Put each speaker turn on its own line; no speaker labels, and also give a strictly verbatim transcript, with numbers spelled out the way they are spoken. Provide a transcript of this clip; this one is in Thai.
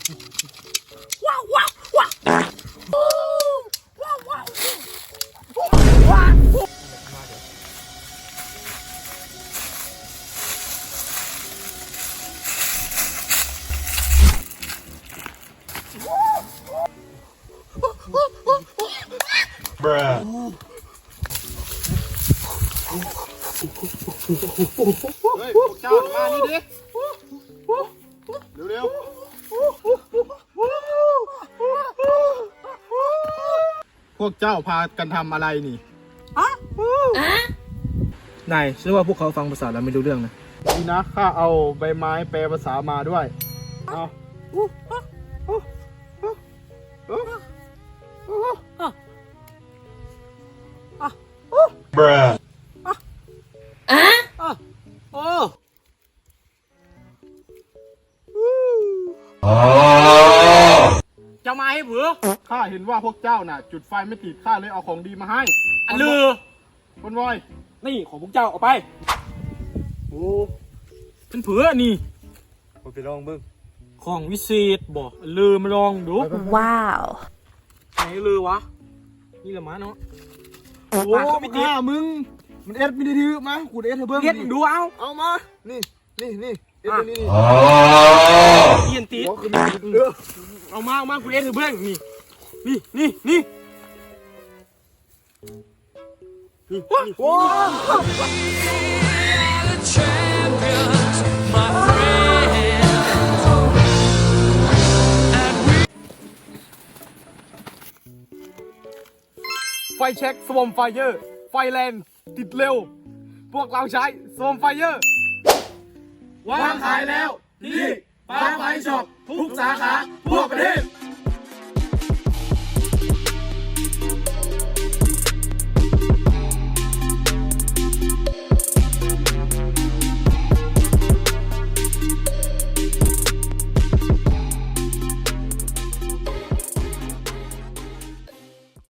ว้าวว้าวว้าวว้าวว้าวว้าว
Bruh.
เฮ้ยพวกเจ้ามานี่ดิเร็วๆพวกเจ้าพากันทำอะไรนี่
นายเชื่อว่าพวกเขาฟังภาษาเราไม่รู้เรื่องนะ
ดีนะข้าเอาใบไม้แปลภาษามาด้วยเอา
Bruh.
โอ้
จะมาให้เผือข้าเห็นว่าพวกเจ้าน่ะ จุดไฟไม่ติดข้าเลยเอาของดีมาให้
อันลือ
คนวอย
นี่ของพวกเจ้าเอาไปโอ้เป็นเผือนี่
ไปลองเบิ้ง
ของวิเศษบอกลือมาลองดู
Wow.
ไหนลือวะนี่แหละมาเนาะ
โอ้
ปากก็ไม่ติด
ข้ามึงมันเอ็ดไม่ได้ถือมากูเอ็ดให้เบิ้ง
เรียนดูเอา
เอามานี่นี่นี่เอ็ดนี่นี่
เรียนติด
หัวคือมีเออ
เอามาเอามาคุณเอ็ดถือเบื้องนี่นี่นี่นี่นี่โอ้
ไฟเช็คสวอมไฟเยอร์ไฟแรงติดเร็ว พวกเราใช้สวอมไฟเยอร์วางขายแล้วที่ปาร์คไฟช็อปทุกสาขาทั่วประเทศ